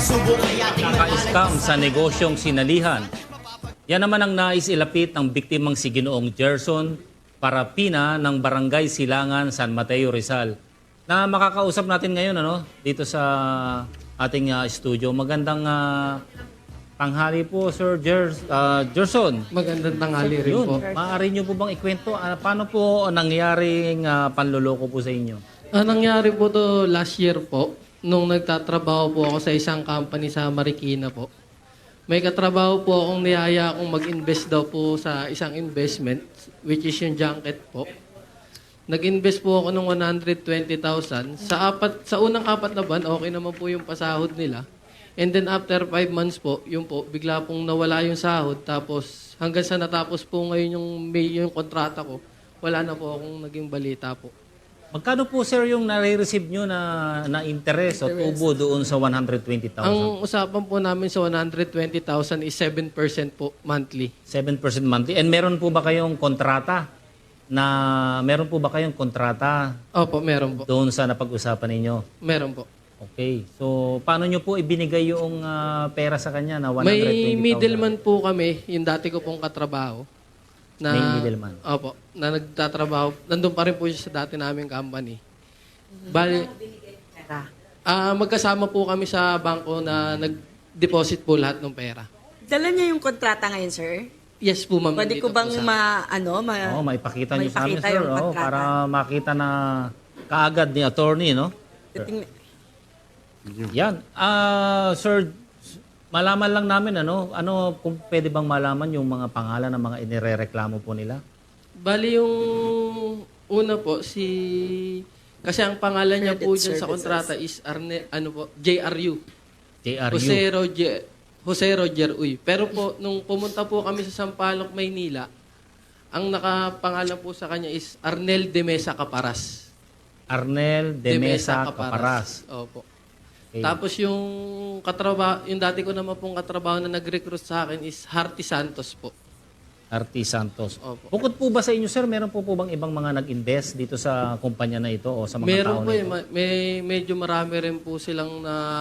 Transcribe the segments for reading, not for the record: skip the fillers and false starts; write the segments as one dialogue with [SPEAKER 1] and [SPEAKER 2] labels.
[SPEAKER 1] Naka-scam sa negosyong sinalihan. Yan naman ang nais ilapit ng biktimang si Ginoong Gerson Parapina ng Barangay Silangan, San Mateo, Rizal. Na makakausap natin ngayon dito sa ating studio. Magandang tanghali po, Sir Gerson.
[SPEAKER 2] Magandang tanghali rin
[SPEAKER 1] Yun,
[SPEAKER 2] po.
[SPEAKER 1] maaari niyo po bang ikwento paano po nangyaring panloloko po sa inyo?
[SPEAKER 2] Nangyari po to last year po, nung nagtatrabaho po ako sa isang company sa Marikina po. May katrabaho po akong niyaya akong mag-invest daw po sa isang investment, which is yung junket po. Nag-invest po ako ng 120,000. Sa unang 4 na buwan, okay naman po yung pasahod nila. And then after 5 months po, yun po, bigla pong nawala yung sahod. Tapos hanggang sa natapos po ngayon yung kontrata ko, wala na po akong naging balita po.
[SPEAKER 1] Magkano po, sir, yung nare-receive nyo na interest o tubo doon sa 120,000?
[SPEAKER 2] Ang usapan po namin sa 120,000 is 7% po monthly.
[SPEAKER 1] 7% monthly. And meron po ba kayong kontrata?
[SPEAKER 2] Opo, meron po.
[SPEAKER 1] Doon sa napag-usapan ninyo?
[SPEAKER 2] Meron po.
[SPEAKER 1] Okay. So, paano nyo po ibinigay yung pera sa kanya na 120,000?
[SPEAKER 2] May middleman po kami, yung dati ko pong katrabaho.
[SPEAKER 1] May middleman?
[SPEAKER 2] Opo, na nagtatrabaho. Nandun pa rin po siya sa dati naming company. Bali, magkasama po kami sa bangko na nag-deposit po lahat ng pera.
[SPEAKER 3] Dala niya yung kontrata ngayon, sir?
[SPEAKER 2] Yes po, ma'am.
[SPEAKER 3] Pwede ko bang
[SPEAKER 1] maipakita nyo sa amin,
[SPEAKER 3] maipakita
[SPEAKER 1] sir.
[SPEAKER 3] yung kontrata?
[SPEAKER 1] Para makita na kaagad ni attorney, no? Yan. Sir, malaman lang namin, kung pwede bang malaman yung mga pangalan ng mga inirereklamo po nila?
[SPEAKER 2] Bali yung una po, kasi ang pangalan niya po dyan sa kontrata is JRU.
[SPEAKER 1] JRU.
[SPEAKER 2] Jose Roger Uy. Pero po, nung pumunta po kami sa Sampaloc, Maynila, ang nakapangalan po sa kanya is Arnel de Mesa Caparas.
[SPEAKER 1] Arnel de Mesa Caparas.
[SPEAKER 2] Opo.
[SPEAKER 1] Okay.
[SPEAKER 2] Tapos yung dati ko naman pong katrabaho na nag-recruit sa akin is Harty Santos po.
[SPEAKER 1] Harty Santos.
[SPEAKER 2] Opo.
[SPEAKER 1] Bukod po ba sa inyo, sir, meron po bang ibang mga nag-invest dito sa kumpanya na ito o sa mga
[SPEAKER 2] Meron
[SPEAKER 1] tao
[SPEAKER 2] po
[SPEAKER 1] na ito?
[SPEAKER 2] medyo marami rin po silang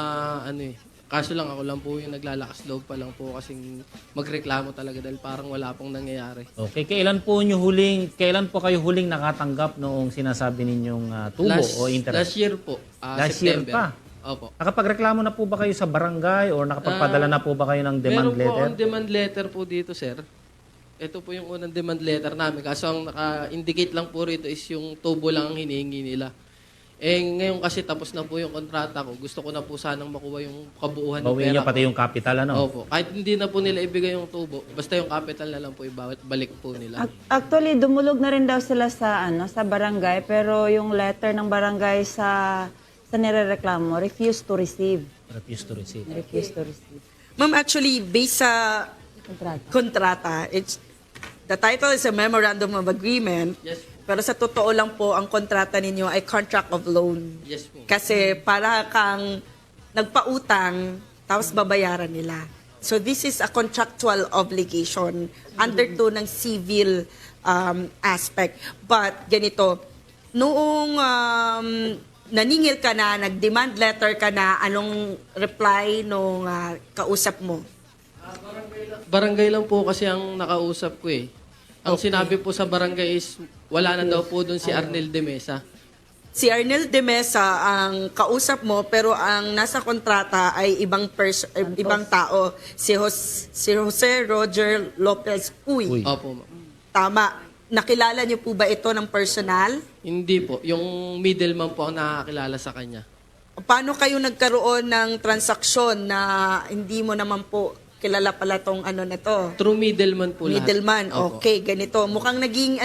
[SPEAKER 2] kaso lang ako lang po yung naglalakas loob pa lang po kasing magreklamo talaga dahil parang wala pong nangyayari.
[SPEAKER 1] Okay, kailan po kayo huling nakatanggap noong sinasabi ninyong tubo o interest?
[SPEAKER 2] Last year po.
[SPEAKER 1] Last year
[SPEAKER 2] September.
[SPEAKER 1] pa?
[SPEAKER 2] Opo.
[SPEAKER 1] Nakapagreklamo na po ba kayo sa barangay or nakapagpadala na po ba kayo ng demand
[SPEAKER 2] Meron
[SPEAKER 1] letter?
[SPEAKER 2] po akong demand letter po dito, sir. Ito po yung unang demand letter namin. Kaso ang naka-indicate lang po rito is yung tubo lang ang hinihingi nila. Ngayon kasi tapos na po yung kontrata ko. Gusto ko na po sanang makuha yung kabuuhan ng
[SPEAKER 1] Bawiin
[SPEAKER 2] pera
[SPEAKER 1] niyo pati yung capital,
[SPEAKER 2] Opo. Kahit hindi na po nila ibigay yung tubo, basta yung capital na lang po ibalik po nila.
[SPEAKER 4] Actually, dumulog na rin daw sila sa barangay, pero yung letter ng barangay sa nirereklamo, refuse to receive.
[SPEAKER 1] Refuse to receive.
[SPEAKER 4] Refuse to receive.
[SPEAKER 3] Ma'am, actually, based sa kontrata, the title is a Memorandum of Agreement.
[SPEAKER 2] Yes.
[SPEAKER 3] Pero sa totoo lang po, ang kontrata ninyo ay contract of loan.
[SPEAKER 2] Yes po.
[SPEAKER 3] Kasi para kang nagpautang, tapos babayaran nila. So this is a contractual obligation under to ng civil aspect. But ganito, noong naningil ka na, nag-demand letter ka na, anong reply nung kausap mo?
[SPEAKER 2] Barangay lang po kasi ang nakausap ko eh. Ang sinabi po sa barangay is wala na daw po doon si Arnel de Mesa.
[SPEAKER 3] Si Arnel de Mesa ang kausap mo, pero ang nasa kontrata ay ibang tao. Si Jose Roger Lopez Uy.
[SPEAKER 2] Opo, ma'am.
[SPEAKER 3] Tama. Nakilala niyo po ba ito ng personal?
[SPEAKER 2] Hindi po. Yung middleman po ang nakakilala sa kanya.
[SPEAKER 3] Paano kayo nagkaroon ng transaksyon na hindi mo naman po kilala pala tong na to?
[SPEAKER 2] True middleman po lahat.
[SPEAKER 3] Middleman.
[SPEAKER 2] Opo.
[SPEAKER 3] Okay, ganito. Mukhang naging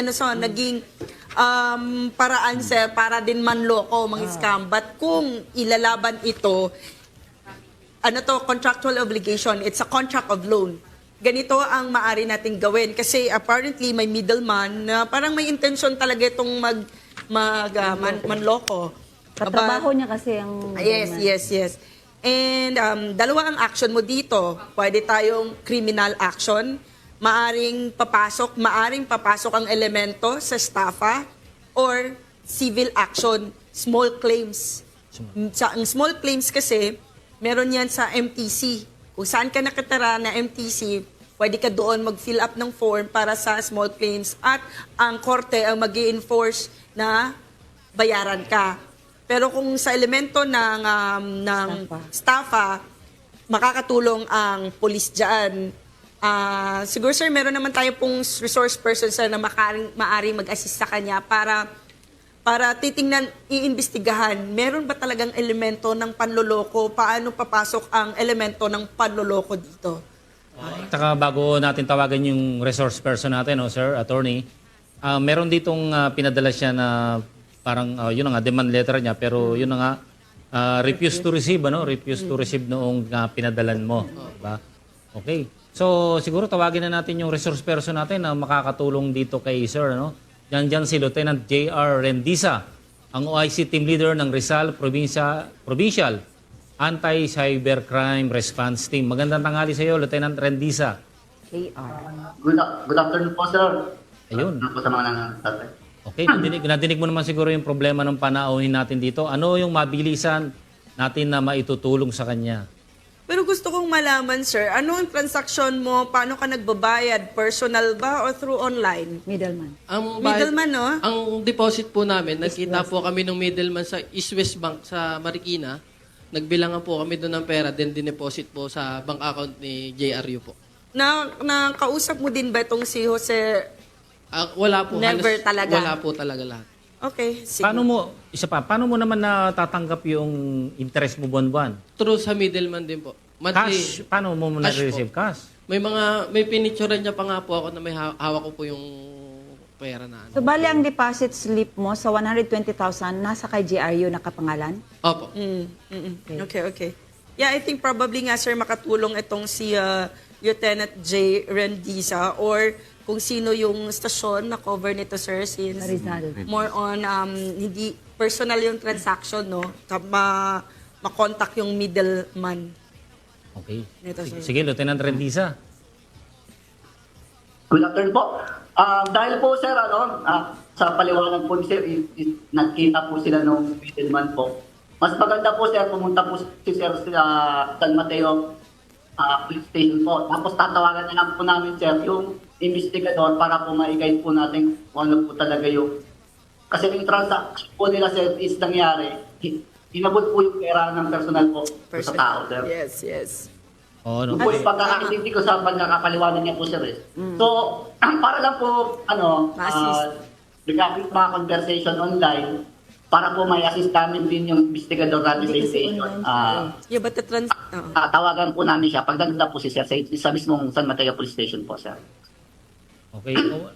[SPEAKER 3] paraan, sir, para din manloko, mga scam. But kung ilalaban ito, contractual obligation, it's a contract of loan. Ganito ang maaari nating gawin. Kasi apparently may middleman na parang may intention talaga itong manloko.
[SPEAKER 4] Katrabaho niya kasi ang...
[SPEAKER 3] Yes. And dalawa ang action mo dito. Pwede tayong criminal action. Maaring papasok ang elemento sa staffa or civil action, small claims. Ang small claims kasi, Meron yan sa MTC. Kung saan ka nakatira na MTC, pwede ka doon mag-fill up ng form para sa small claims at ang korte ang mag-i-enforce na bayaran ka. Pero kung sa elemento ng staffa, makakatulong ang police dyan. Siguro sir, meron naman tayo pong resource person sir na maaring mag-assist sa kanya para titingnan, iimbestigahan, meron ba talagang elemento ng panloloko? Paano papasok ang elemento ng panloloko dito?
[SPEAKER 1] Saka bago natin tawagan yung resource person natin, sir, attorney, meron ditong pinadala siya na parang, yun na nga, demand letter niya, pero yun na nga, refuse to receive, refuse to receive noong pinadalan mo. Diba? Okay. So, siguro tawagin na natin yung resource person natin na makakatulong dito kay sir, Diyan si Lieutenant J.R. Rendiza, ang OIC Team Leader ng Rizal Provincial Anti-Cybercrime Response Team. Magandang tanghali sa iyo, Lieutenant Rendiza.
[SPEAKER 4] KR.
[SPEAKER 5] Good afternoon po, sir.
[SPEAKER 1] Ayun.
[SPEAKER 5] Ano po sa mga nangyayari?
[SPEAKER 1] Okay, nadinig mo naman siguro yung problema ng panauhin natin dito. Ano yung mabilisan natin na maitutulong sa kanya?
[SPEAKER 3] Pero gusto kong malaman, sir, ano ang transaction mo? Paano ka nagbabayad? Personal ba or through online?
[SPEAKER 4] Middleman.
[SPEAKER 3] Middleman, no?
[SPEAKER 2] Ang deposit po namin, nagkita po kami ng middleman sa East West Bank sa Marikina. Nagbilangan po kami doon ng pera, then dineposit po sa bank account ni JRU po.
[SPEAKER 3] Nakausap mo din ba itong si Jose?
[SPEAKER 2] Wala po.
[SPEAKER 3] Never talaga?
[SPEAKER 2] Wala po talaga lahat.
[SPEAKER 3] Okay, sige.
[SPEAKER 1] Paano mo naman natatanggap yung interest mo buwan-buwan?
[SPEAKER 2] True sa middleman din po.
[SPEAKER 1] Cash? Paano mo na-receive cash?
[SPEAKER 2] May pinicturean niya pa nga po ako na may hawak ko po yung pera na
[SPEAKER 4] So, bali ang deposit slip mo sa 120,000 nasa kay GRU nakapangalan?
[SPEAKER 2] Opo.
[SPEAKER 3] Okay. Yeah, I think probably nga, sir, makatulong itong si Lieutenant J. Rendiza or kung sino yung stasyon na cover nito, sir, since
[SPEAKER 4] Rizal.
[SPEAKER 3] more on hindi personal yung transaction, no? Ma-contact yung middleman.
[SPEAKER 1] Okay.
[SPEAKER 3] Ito, sir.
[SPEAKER 1] Sige, Lieutenant Rendiza.
[SPEAKER 5] Good afternoon po. Dahil po, sir, sa paliwanag po, sir, nakita po sila nung middleman po. Mas maganda po, sir, pumunta po si sir sa San Mateo police station po. Tapos tatawagan na lang po namin, sir, yung investigador para po ma-guide po natin kung ano po talaga yung... Kasi yung transaction po nila, sir, is nangyari. Inabot po yung pera ng personal po sa tao, sir.
[SPEAKER 3] Yes.
[SPEAKER 5] Yung po yung pagkakaintindi ko sa pagkakapaliwanag niya po, sir. So, para lang po, regarding mga conversation online, para po may assist namin din yung investigador natin sa station.
[SPEAKER 3] Yeah, but the
[SPEAKER 5] Tawagan po namin siya. Pagdagda po si sir sa mismong San Mateo Police Station po, sir.
[SPEAKER 1] Okay.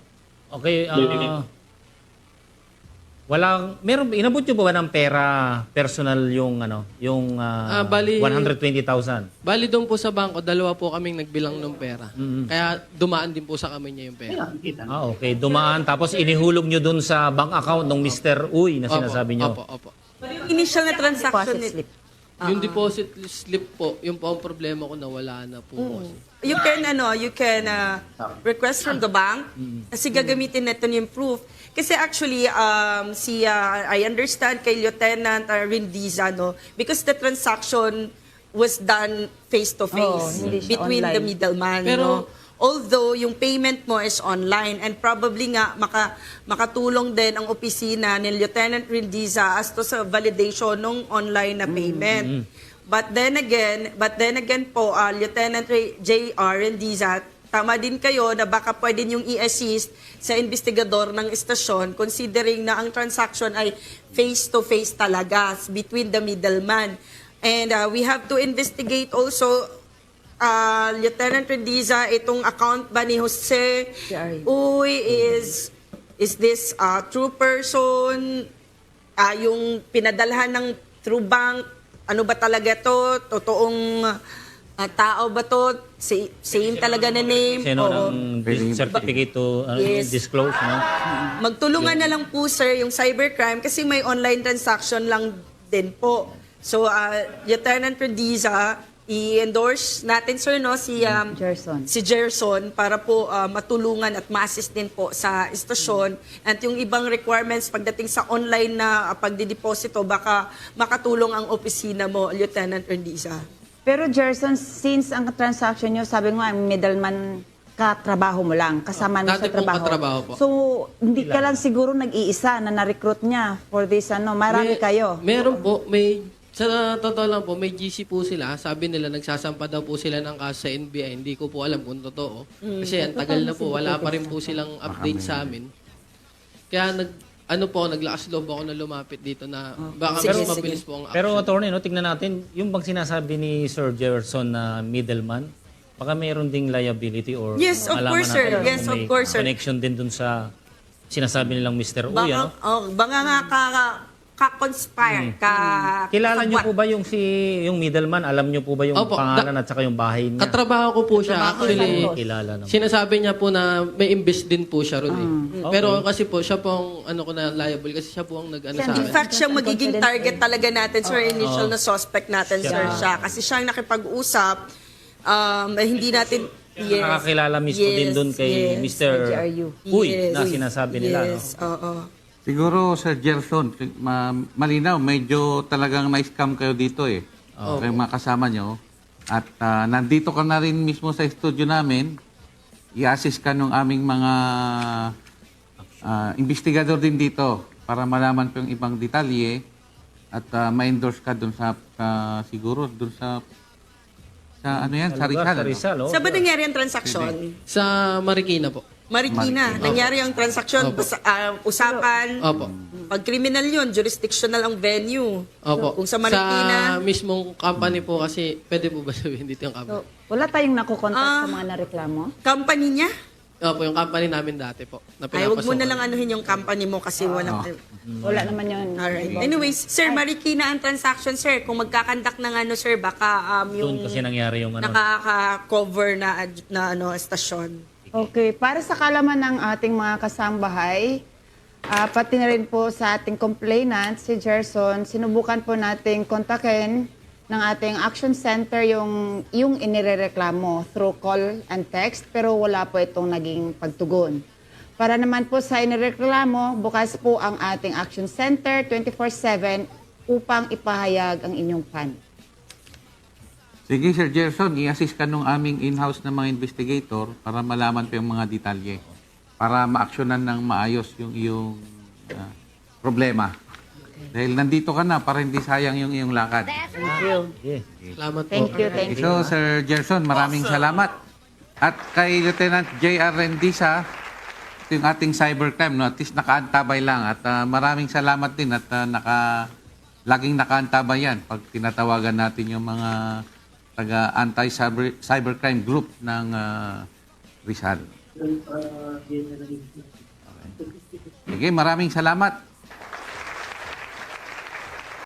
[SPEAKER 1] Inabot nyo ba ng pera personal yung
[SPEAKER 2] Bali
[SPEAKER 1] 120,000?
[SPEAKER 2] Bali doon po sa bangko, dalawa po kaming nagbilang ng pera. Kaya dumaan din po sa kami niya yung pera.
[SPEAKER 1] Okay. Dumaan. Tapos inihulog nyo dun sa bank account ng Mr. Uy na sinasabi nyo.
[SPEAKER 2] Opo.
[SPEAKER 3] yung initial na transaction
[SPEAKER 4] Deposit slip.
[SPEAKER 2] Yung deposit slip po, yung po ang problema ko na wala na po.
[SPEAKER 3] You can request from the bank kasi gagamitin natin yung proof. Kasi actually, I understand kay Lieutenant Rendiza, because the transaction was done face-to-face
[SPEAKER 4] hindi siya
[SPEAKER 3] between
[SPEAKER 4] online.
[SPEAKER 3] the middleman.
[SPEAKER 2] Pero-
[SPEAKER 3] Although yung payment mo is online and probably nga makatulong din ang opisina ni Lieutenant Rendiza as to sa validation ng online na payment. But then again po, Lieutenant J.R. Rendiza, tama din kayo na baka pwede niyong i-assist sa investigador ng istasyon considering na ang transaction ay face-to-face talaga between the middleman. And we have to investigate also, Lieutenant Rendiza, itong account ba ni Jose Uy is this true person? Yung pinadalhan ng true bank, ano ba talaga to? Totoong tao ba to? Same talaga na name?
[SPEAKER 1] Sino
[SPEAKER 3] Oo.
[SPEAKER 1] ng certificate to
[SPEAKER 3] Yes.
[SPEAKER 1] disclose, no?
[SPEAKER 3] Magtulungan na lang po, sir, yung cybercrime kasi may online transaction lang din po. So, Lieutenant Rendiza, i-endorse natin, sir, si Gerson para po matulungan at ma-assist din po sa istasyon. At yung ibang requirements pagdating sa online na pagdideposito, baka makatulong ang opisina mo, Lieutenant Rendiza.
[SPEAKER 4] Pero Gerson, since ang transaction nyo, sabi mo nga, middleman katrabaho mo lang, kasama mo
[SPEAKER 2] Dati
[SPEAKER 4] sa
[SPEAKER 2] pong
[SPEAKER 4] trabaho.
[SPEAKER 2] katrabaho po.
[SPEAKER 4] So, hindi ka lang siguro nag-iisa na na-recruit niya for this, marami kayo.
[SPEAKER 2] Meron po, sa totoo lang po, may GC po sila. Sabi nila, nagsasampa daw po sila ng kaso sa NBI. Hindi ko po alam kung totoo. Kasi ang tagal na po, wala pa rin po silang update sa amin. Kaya naglakas loob ako na lumapit dito na baka
[SPEAKER 3] Sige,
[SPEAKER 2] mas
[SPEAKER 3] sige.
[SPEAKER 2] mabilis po ang action.
[SPEAKER 1] Pero attorney, no, tignan natin, yung bang sinasabi ni Sir Jefferson na middleman, baka mayroon ding liability or
[SPEAKER 3] Yes, of
[SPEAKER 1] malaman
[SPEAKER 3] course, sir.
[SPEAKER 1] natin kung
[SPEAKER 3] Yes, of
[SPEAKER 1] may
[SPEAKER 3] course, sir.
[SPEAKER 1] connection din dun sa sinasabi nilang Mr. Uy, ano?
[SPEAKER 3] Baka nga ka-conspire,
[SPEAKER 1] Kilala niyo
[SPEAKER 3] kasabwat.
[SPEAKER 1] po ba yung middleman? Alam niyo po ba yung
[SPEAKER 2] Opo,
[SPEAKER 1] pangalan at saka yung bahay niya?
[SPEAKER 2] Katrabaho ko po siya. Actually,
[SPEAKER 1] Kilala naman.
[SPEAKER 2] sinasabi niya po na may invest din po siya ron eh. Pero kasi po, siya po ang ko na liable kasi siya po ang nag-ano sa
[SPEAKER 3] In
[SPEAKER 2] akin.
[SPEAKER 3] fact, siya magiging target talaga natin, sir, initial na suspect natin, sir, siya. Kasi siya ang nakipag-usap, hindi natin,
[SPEAKER 1] Nakakilala mismo din dun kay Mr.
[SPEAKER 4] GRU.
[SPEAKER 1] Uy, na sinasabi nila.
[SPEAKER 3] Yes, oo.
[SPEAKER 6] Siguro, Sir Gerson, malinaw, medyo talagang na-scam kayo dito eh. Kayong mga kasama nyo. At nandito ka na rin mismo sa studio namin. I-assist ka nung aming mga investigador din dito para malaman po yung ibang detalye at ma-endorse ka dun sa, siguro, dun sa ano yan, sa Rizal.
[SPEAKER 1] Sa
[SPEAKER 6] ano?
[SPEAKER 1] Rizal, oh.
[SPEAKER 3] Saan ba nangyari ang transaksyon?
[SPEAKER 2] Sa Marikina po.
[SPEAKER 3] Marikina, nangyari ang transaksyon, usapan,
[SPEAKER 2] Opo.
[SPEAKER 3] pag criminal yun, jurisdictional ang venue.
[SPEAKER 2] Opo.
[SPEAKER 3] Kung sa Marikina,
[SPEAKER 2] Sa mismong company po kasi, pwede po ba sabihin dito yung company?
[SPEAKER 4] So, wala tayong nakukontak sa mga nareklamo?
[SPEAKER 3] company niya,
[SPEAKER 2] Opo, yung company namin dati po. Na
[SPEAKER 3] ay wag mo na
[SPEAKER 2] pinapasukan.
[SPEAKER 3] lang anuhin yung company mo kasi walang...
[SPEAKER 4] Wala naman yun.
[SPEAKER 3] Alright. Anyways, sir, Marikina ang transaction, sir. Kung magkakandak ng sir, baka yung
[SPEAKER 1] Doon kasi nangyari yung ano.
[SPEAKER 3] nakaka-cover na estasyon.
[SPEAKER 4] Okay, para sa kalaman ng ating mga kasambahay, pati na rin po sa ating complainant, si Gerson, sinubukan po nating kontakin ng ating action center yung inirereklamo through call and text, pero wala po itong naging pagtugon. Para naman po sa inireklamo, bukas po ang ating action center 24/7 upang ipahayag ang inyong pan.
[SPEAKER 6] Sige, Sir Gerson, i-assist ka nung aming in-house na mga investigator para malaman pa yung mga detalye. Para ma-actionan ng maayos yung iyong problema. Dahil nandito ka na para hindi sayang yung iyong lakad.
[SPEAKER 4] Thank you.
[SPEAKER 1] Yeah.
[SPEAKER 2] Salamat po.
[SPEAKER 4] Thank you, thank you.
[SPEAKER 6] So, Sir Gerson, maraming salamat. At kay Lieutenant J.R. Rendisa, ito yung ating cybercrime, no? At least nakaantabay lang. At maraming salamat din at laging nakaantabay yan pag tinatawagan natin yung mga taga-anti-cybercrime group ng Rizal. Okay. Sige, maraming salamat.